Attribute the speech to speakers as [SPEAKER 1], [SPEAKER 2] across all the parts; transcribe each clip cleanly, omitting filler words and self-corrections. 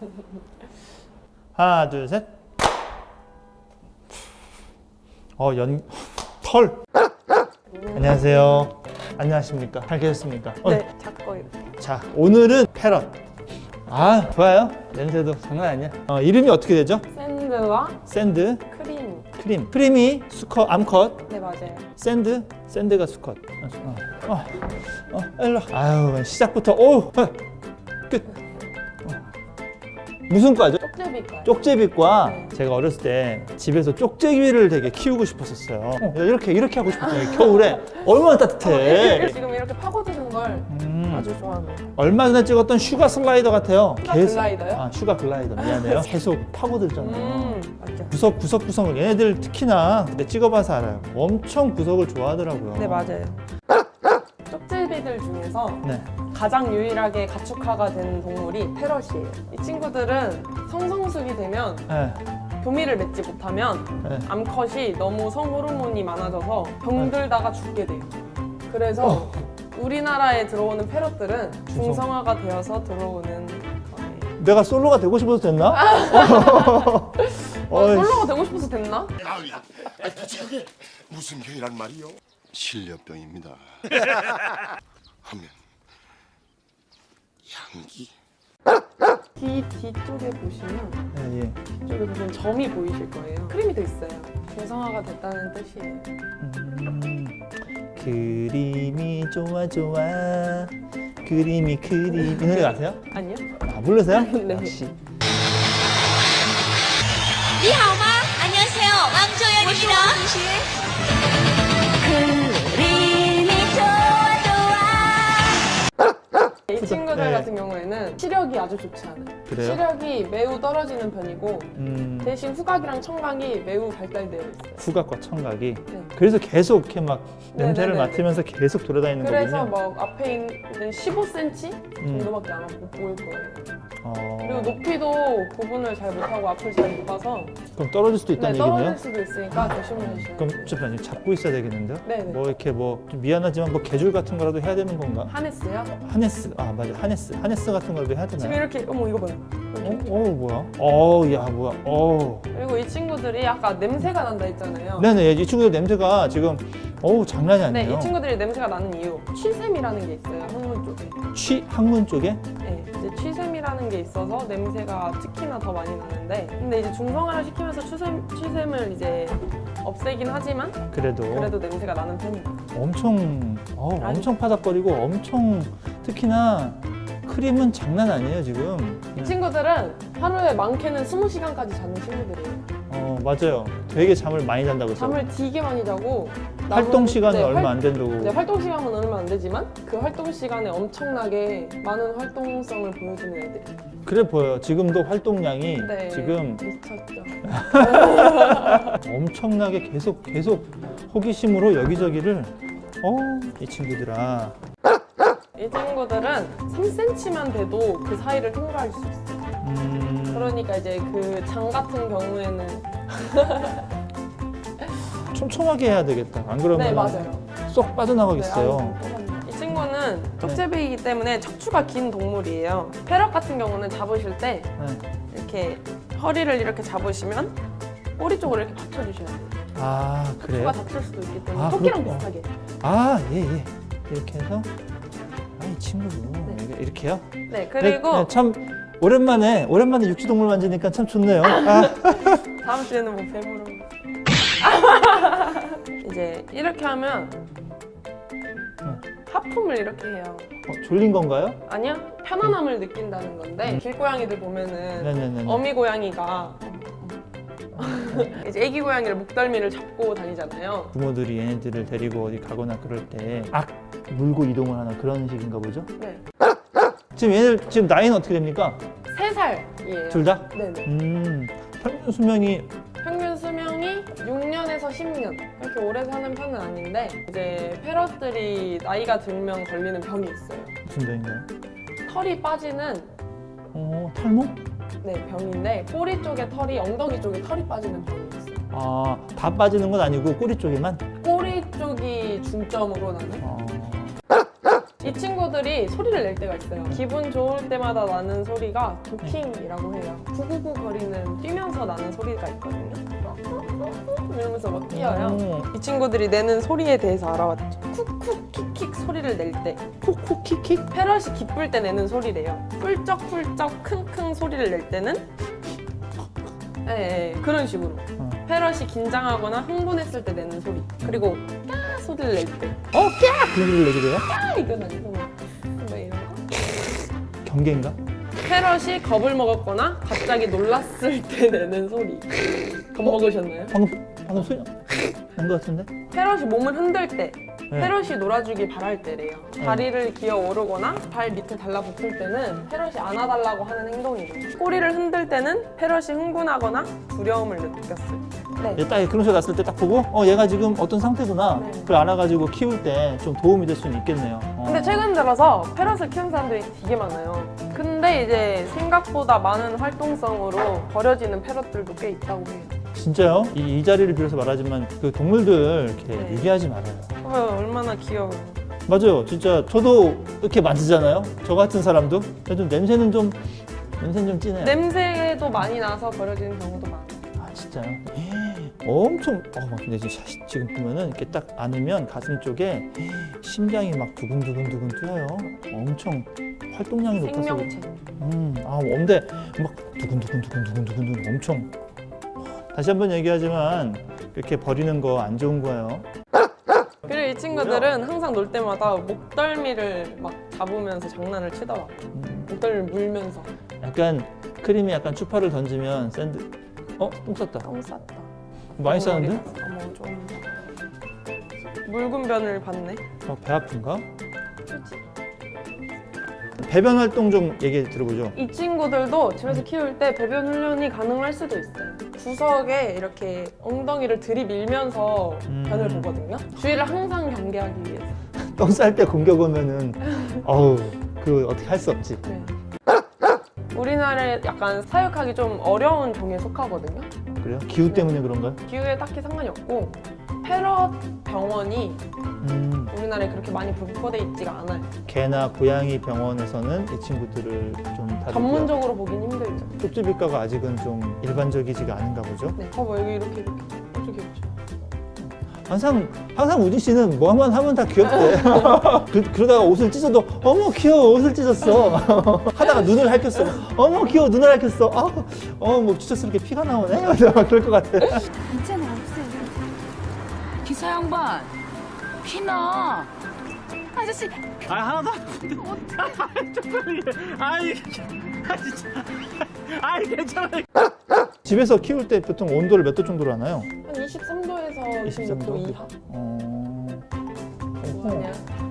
[SPEAKER 1] 하나, 둘, 셋. 털. 안녕하세요. 안녕하십니까? 잘 계셨습니까?
[SPEAKER 2] 네, 작고 이렇게.
[SPEAKER 1] 자, 오늘은 패럿. 아, 좋아요. 냄새도 장난 아니야. 이름이 어떻게 되죠?
[SPEAKER 2] 샌드와
[SPEAKER 1] 샌드,
[SPEAKER 2] 크림.
[SPEAKER 1] 크림. 크림이 수컷, 암컷.
[SPEAKER 2] 네, 맞아요.
[SPEAKER 1] 샌드, 샌드가 수컷. 일로. 아유, 시작부터 끝. 무슨 과죠?
[SPEAKER 2] 쪽제비과요.
[SPEAKER 1] 쪽제비과.
[SPEAKER 2] 네.
[SPEAKER 1] 제가 어렸을 때 집에서 쪽제비를 되게 키우고 싶었었어요. 이렇게 하고 싶었어요. 겨울에 얼마나 따뜻해.
[SPEAKER 2] 지금 이렇게 파고드는 걸 아주 좋아합니다.
[SPEAKER 1] 얼마 전에 찍었던 슈가 슬라이더 같아요.
[SPEAKER 2] 슈가 글라이더요?
[SPEAKER 1] 아, 슈가 글라이더. 미안해요. 계속 파고들잖아요.
[SPEAKER 2] 맞죠.
[SPEAKER 1] 구석구석을 얘네들 특히나 그때 찍어봐서 알아요. 엄청 구석을 좋아하더라고요.
[SPEAKER 2] 네, 맞아요. 쪽제비들 중에서
[SPEAKER 1] 네.
[SPEAKER 2] 가장 유일하게 가축화가 된 동물이 패럿이에요. 이 친구들은 성성숙이 되면
[SPEAKER 1] 네.
[SPEAKER 2] 교미를 맺지 못하면
[SPEAKER 1] 네.
[SPEAKER 2] 암컷이 너무 성호르몬이 많아져서 병들다가 죽게 돼요. 그래서 우리나라에 들어오는 패럿들은 중성화가 되어서 들어오는 거예요.
[SPEAKER 1] 내가 솔로가 되고 싶어서 됐나?
[SPEAKER 2] 솔로가 되고 싶어서 됐나?
[SPEAKER 3] 도대체 그게 무슨 병이란 말이요? 실려병입니다. 하면 향기.
[SPEAKER 2] 뒤쪽에 보시면
[SPEAKER 1] 네, 예.
[SPEAKER 2] 뒤쪽에 보시면 점이 보이실 거예요. 크림이 돼 있어요. 중성화가 됐다는 뜻이에요.
[SPEAKER 1] 그림이 좋아 그림이 이 노래 아세요?
[SPEAKER 2] 아니요?
[SPEAKER 1] 아, 모르세요?
[SPEAKER 2] 네.
[SPEAKER 1] 역시
[SPEAKER 4] 你好吗? 안녕하세요. 왕조연입니다. 그림이 좋아
[SPEAKER 2] 이 친구들
[SPEAKER 1] 네.
[SPEAKER 2] 같은 경우에는 시력이 아주 좋지 않아요.
[SPEAKER 1] 그래요?
[SPEAKER 2] 시력이 매우 떨어지는 편이고 대신 후각이랑 청각이 매우 발달되어 있어요.
[SPEAKER 1] 후각과 청각이.
[SPEAKER 2] 네.
[SPEAKER 1] 그래서 계속 이렇게 막 냄새를
[SPEAKER 2] 네네네.
[SPEAKER 1] 맡으면서 계속 돌아다니는
[SPEAKER 2] 그래서
[SPEAKER 1] 거군요.
[SPEAKER 2] 막 앞에 있는 15cm 정도밖에 안 보일 거예요. 그리고
[SPEAKER 1] 어,
[SPEAKER 2] 높이도 구분을 잘 못하고 앞을 잘 못 봐서
[SPEAKER 1] 그럼 떨어질 수도
[SPEAKER 2] 네,
[SPEAKER 1] 있다는
[SPEAKER 2] 떨어질
[SPEAKER 1] 얘기네요?
[SPEAKER 2] 수도 있으니까 조심하셔야
[SPEAKER 1] 그럼
[SPEAKER 2] 돼요.
[SPEAKER 1] 잠시만요. 잡고 있어야 되겠는데요?
[SPEAKER 2] 네네.
[SPEAKER 1] 뭐 이렇게 좀 미안하지만 뭐 개줄 같은 거라도 해야 되는 건가?
[SPEAKER 2] 하네스요?
[SPEAKER 1] 하네스. 아, 맞아. 하네스 같은 거라도 해야
[SPEAKER 2] 지금
[SPEAKER 1] 되나요?
[SPEAKER 2] 이렇게 어머 이거 봐요.
[SPEAKER 1] 뭐야? 야, 뭐야?
[SPEAKER 2] 그리고 이 친구들이 아까 냄새가 난다 했잖아요.
[SPEAKER 1] 네네. 이 친구들 냄새가 지금 장난이 아니에요.
[SPEAKER 2] 네, 이 친구들이 냄새가 나는 이유 취샘이라는 게 있어요. 항문 쪽에.
[SPEAKER 1] 항문 쪽에?
[SPEAKER 2] 네, 이제 취샘이라는 게 있어서 냄새가 특히나 더 많이 나는데, 근데 이제 중성화를 시키면서 취샘을 이제 없애긴 하지만
[SPEAKER 1] 그래도
[SPEAKER 2] 냄새가 나는 편이에요.
[SPEAKER 1] 엄청 파닥거리고 엄청 특히나 크림은 장난 아니에요 지금.
[SPEAKER 2] 이 친구들은 하루에 많게는 20시간까지 자는 친구들이에요.
[SPEAKER 1] 맞아요. 되게 잠을 많이 잔다고 했어요.
[SPEAKER 2] 잠을 되게 많이 자고
[SPEAKER 1] 활동 시간은
[SPEAKER 2] 네,
[SPEAKER 1] 얼마 안 된다고.
[SPEAKER 2] 네, 활동 시간은 얼마 안 되지만 그 활동 시간에 엄청나게 많은 활동성을 보여주는 애들이.
[SPEAKER 1] 그래 보여요. 지금도 활동량이
[SPEAKER 2] 네,
[SPEAKER 1] 지금
[SPEAKER 2] 미쳤죠.
[SPEAKER 1] 엄청나게 계속 호기심으로 여기저기를 이 친구들아.
[SPEAKER 2] 이 친구들은 3cm만 돼도 그 사이를 통과할 수 있어요. 그러니까 이제 그 장 같은 경우에는
[SPEAKER 1] 촘촘하게 해야 되겠다. 안 그러면
[SPEAKER 2] 네, 맞아요.
[SPEAKER 1] 쏙 빠져나가겠어요.
[SPEAKER 2] 네, 이 친구는 쪽제비이기 때문에 척추가 긴 동물이에요. 패럿 같은 경우는 잡으실 때
[SPEAKER 1] 네.
[SPEAKER 2] 이렇게 허리를 이렇게 잡으시면 꼬리 쪽으로 이렇게 받쳐주셔야 돼요.
[SPEAKER 1] 아, 그래요?
[SPEAKER 2] 척추가 다칠 수도 있기 때문에
[SPEAKER 1] 아,
[SPEAKER 2] 토끼랑
[SPEAKER 1] 그렇구나.
[SPEAKER 2] 비슷하게.
[SPEAKER 1] 예. 이렇게 해서 이 친구도 이렇게요?
[SPEAKER 2] 네, 그리고
[SPEAKER 1] 참 오랜만에 육지동물 만지니까 참 좋네요.
[SPEAKER 2] 다음 주에는 뭐 뱀으로 이제 이렇게 하면 하품을 이렇게 해요.
[SPEAKER 1] 졸린 건가요?
[SPEAKER 2] 아니요, 편안함을 느낀다는 건데 길고양이들 보면은
[SPEAKER 1] 네네네.
[SPEAKER 2] 어미 고양이가 이제 애기 고양이를 목덜미를 잡고 다니잖아요.
[SPEAKER 1] 부모들이 얘네들을 데리고 어디 가거나 그럴 때 물고 이동을 하는 그런 식인가 보죠?
[SPEAKER 2] 네,
[SPEAKER 1] 지금 얘네들 지금 나이는 어떻게 됩니까?
[SPEAKER 2] 3살이에요.
[SPEAKER 1] 둘 다?
[SPEAKER 2] 네네.
[SPEAKER 1] 평균 수명이
[SPEAKER 2] 평균 수명이 6년에서 10년. 그렇게 오래 사는 편은 아닌데 이제 패럿들이 나이가 들면 걸리는 병이 있어요.
[SPEAKER 1] 무슨 병인가요?
[SPEAKER 2] 털이 빠지는
[SPEAKER 1] 탈모?
[SPEAKER 2] 병인데 꼬리 쪽에 털이 엉덩이 쪽에 털이 빠지는 병이 있어요.
[SPEAKER 1] 다 빠지는 건 아니고 꼬리 쪽에만?
[SPEAKER 2] 꼬리 쪽이 중점으로 나는. 이 친구들이 얘네들이 소리를 낼 때가 있어요. 기분 좋을 때마다 나는 소리가 도킹이라고 해요. 구구구 거리는 뛰면서 나는 소리가 있거든요. 이러면서 막 뛰어요. 이 친구들이 내는 소리에 대해서 알아봤죠. 쿡쿡 킥킥 소리를 낼 때,
[SPEAKER 1] 콕콕 킥킥.
[SPEAKER 2] 패럿이 기쁠 때 내는 소리래요. 훌쩍훌쩍 킁킁 소리를 낼 때는 네, 그런 식으로. 패럿이 긴장하거나 흥분했을 때 내는 소리. 그리고 까 소리를 낼 때.
[SPEAKER 1] 까! 그런 소리를 내게 돼요?
[SPEAKER 2] 까 이건 아니고 뭐 이런 거.
[SPEAKER 1] 경계인가?
[SPEAKER 2] 패럿이 겁을 먹었거나 갑자기 놀랐을 때 내는 소리. 겁먹으셨나요?
[SPEAKER 1] 방금 소리 난것 같은데?
[SPEAKER 2] 패럿이 몸을 흔들 때,
[SPEAKER 1] 네.
[SPEAKER 2] 패럿이 놀아주길 바랄 때래요. 다리를 기어 오르거나 발 밑에 달라붙을 때는 패럿이 안아달라고 하는 행동이죠. 꼬리를 흔들 때는 패럿이 흥분하거나 두려움을 느꼈을 때. 네.
[SPEAKER 1] 얘 딱 그런 소리 났을 때 딱 보고 얘가 지금 어떤 상태구나.
[SPEAKER 2] 네.
[SPEAKER 1] 그걸 알아가지고 키울 때 좀 도움이 될 수는 있겠네요.
[SPEAKER 2] 근데 최근 들어서 패럿을 키우는 사람들이 되게 많아요. 근데 이제 생각보다 많은 활동성으로 버려지는 패럿들도 꽤 있다고 해요.
[SPEAKER 1] 진짜요? 이 자리를 빌어서 말하지만 그 동물들 이렇게
[SPEAKER 2] 네.
[SPEAKER 1] 유기하지 말아요.
[SPEAKER 2] 얼마나 귀여워요.
[SPEAKER 1] 맞아요. 진짜 저도 이렇게 만지잖아요. 저 같은 사람도. 그래도 냄새는 좀 진해요.
[SPEAKER 2] 냄새도 많이 나서 버려지는 경우도 많아요.
[SPEAKER 1] 아 진짜요? 엄청 막 근데 지금 보면은 이렇게 딱 안으면 가슴 쪽에 심장이 막 두근두근 뛰어요. 엄청 활동량이 높아서.
[SPEAKER 2] 생명체.
[SPEAKER 1] 근데 막 두근두근 엄청. 다시 한번 얘기하지만 그렇게 버리는 거 안 좋은 거예요.
[SPEAKER 2] 그리고 이 친구들은 항상 놀 때마다 목덜미를 막 잡으면서 장난을 치더라고요. 목덜미를 물면서.
[SPEAKER 1] 약간 크림이 약간 추파를 던지면 샌드. 똥 쌌다.
[SPEAKER 2] 똥 쌌다.
[SPEAKER 1] 많이 쌌는데?
[SPEAKER 2] 어머 좀 묽은 변을 봤네.
[SPEAKER 1] 배 아픈가?
[SPEAKER 2] 그렇지.
[SPEAKER 1] 배변 활동 좀 얘기 들어보죠.
[SPEAKER 2] 이 친구들도 집에서 키울 때 배변 훈련이 가능할 수도 있어요. 구석에 이렇게 엉덩이를 들이밀면서 변을 보거든요. 주의를 항상 경계하기 위해서.
[SPEAKER 1] 똥 쌀 때 공격 오면은 어우 그 어떻게 할 수 없지.
[SPEAKER 2] 네. 우리나라에 약간 사육하기 좀 어려운 종에 속하거든요.
[SPEAKER 1] 그래요? 기후 때문에 그런가요?
[SPEAKER 2] 기후에 딱히 상관이 없고 패럿 병원이 우리나라에 그렇게 많이 분포돼 있지가 않아요.
[SPEAKER 1] 개나 고양이 병원에서는 이 친구들을 좀 다루고요.
[SPEAKER 2] 전문적으로 보긴 힘들죠.
[SPEAKER 1] 쪽지비과가 아직은 좀 일반적이지가 않은가 보죠.
[SPEAKER 2] 네, 봐봐 여기 이렇게 아주 귀엽죠.
[SPEAKER 1] 항상 우진 씨는 뭐만 하면 다 귀엽대. 그러다가 옷을 찢어도 어머 귀여워 옷을 찢었어. 하다가 눈을 핥혔어. 어머 귀여워 눈을 핥혔어. 뭐 찢었으니까 피가 나오네. 그럴 것 같아.
[SPEAKER 5] 괜찮아 없어요. 기사 양반 피나 아저씨
[SPEAKER 6] 하나도 안 괜찮아.
[SPEAKER 1] 집에서 키울 때 보통 온도를 몇 도 정도로 하나요?
[SPEAKER 2] 한 23도에서 26도 이하. 뭐하냐?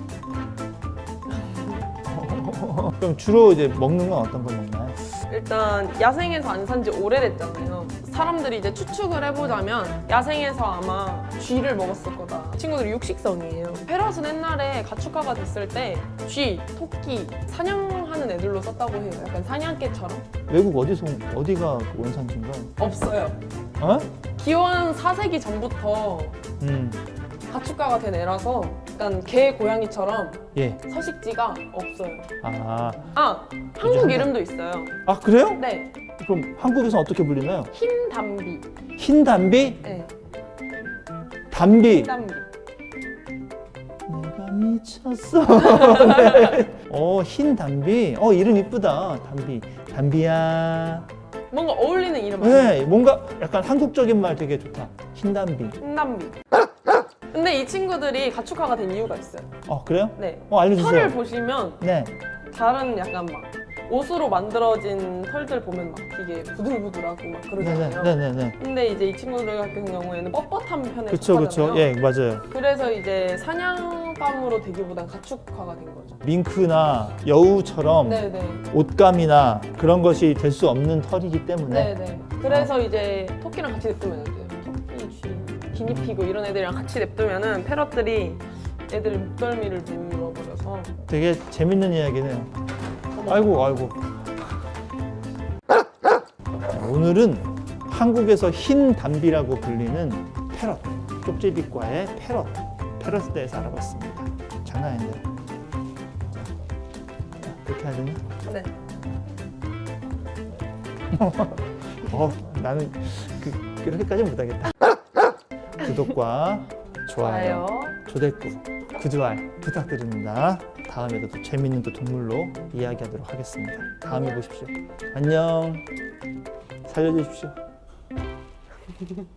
[SPEAKER 1] 그럼 주로 이제 먹는 건 어떤 걸 먹나요?
[SPEAKER 2] 일단 야생에서 안 산 지 오래됐잖아요. 사람들이 이제 추측을 해보자면 야생에서 아마 쥐를 먹었을 거다. 이 친구들이 육식성이에요. 패럿은 옛날에 가축화가 됐을 때 쥐, 토끼, 사냥하는 애들로 썼다고 해요. 약간 사냥개처럼.
[SPEAKER 1] 외국 어디가 원산지인가요?
[SPEAKER 2] 없어요. 기원 4세기 전부터 가축화가 된 애라서 약간 개, 고양이처럼
[SPEAKER 1] 예.
[SPEAKER 2] 서식지가 없어요. 한국 이름도 있어요.
[SPEAKER 1] 그래요?
[SPEAKER 2] 네,
[SPEAKER 1] 그럼 한국에서는 어떻게 불리나요?
[SPEAKER 2] 흰 담비.
[SPEAKER 1] 흰 담비?
[SPEAKER 2] 네,
[SPEAKER 1] 담비.
[SPEAKER 2] 흰 담비.
[SPEAKER 1] 내가 미쳤어. 네. 흰 담비. 이름 이쁘다. 담비. 담비야.
[SPEAKER 2] 뭔가 어울리는 이름 아니에요?
[SPEAKER 1] 네, 뭔가 약간 한국적인 말 되게 좋다. 흰 담비.
[SPEAKER 2] 흰 담비. 근데 이 친구들이 가축화가 된 이유가 있어요.
[SPEAKER 1] 그래요?
[SPEAKER 2] 네.
[SPEAKER 1] 알려주세요.
[SPEAKER 2] 털을 보시면
[SPEAKER 1] 네.
[SPEAKER 2] 다른 약간 막 옷으로 만들어진 털들 보면 막 되게 부들부들하고 막 그러잖아요.
[SPEAKER 1] 네네네.
[SPEAKER 2] 근데 이제 이 친구들 같은 경우에는 뻣뻣한 편에
[SPEAKER 1] 그쵸.
[SPEAKER 2] 속하잖아요.
[SPEAKER 1] 예, 맞아요.
[SPEAKER 2] 그래서 이제 사냥감으로 되기보단 가축화가 된 거죠.
[SPEAKER 1] 밍크나 여우처럼
[SPEAKER 2] 네네.
[SPEAKER 1] 옷감이나 그런 것이 될 수 없는 털이기 때문에
[SPEAKER 2] 네네. 그래서 이제 토끼랑 같이 냅두면 안 돼요. 토끼, 쥐, 기니피그 이런 애들이랑 같이 냅두면은 패럿들이 애들 목덜미를 물어버려서.
[SPEAKER 1] 되게 재밌는 이야기네요. 아이고. 오늘은 한국에서 흰 담비라고 불리는 패럿, 쪽제비과의 패럿에 대해서 알아봤습니다. 장난 아닌데요. 이렇게 해야 되나?
[SPEAKER 2] 네.
[SPEAKER 1] 나는 그렇게까지는 못하겠다. 구독과 좋아요, 조댓구, 구두알 부탁드립니다. 다음에도 또 재밌는 또 동물로 이야기하도록 하겠습니다. 다음에 보십시오. 안녕. 살려주십시오.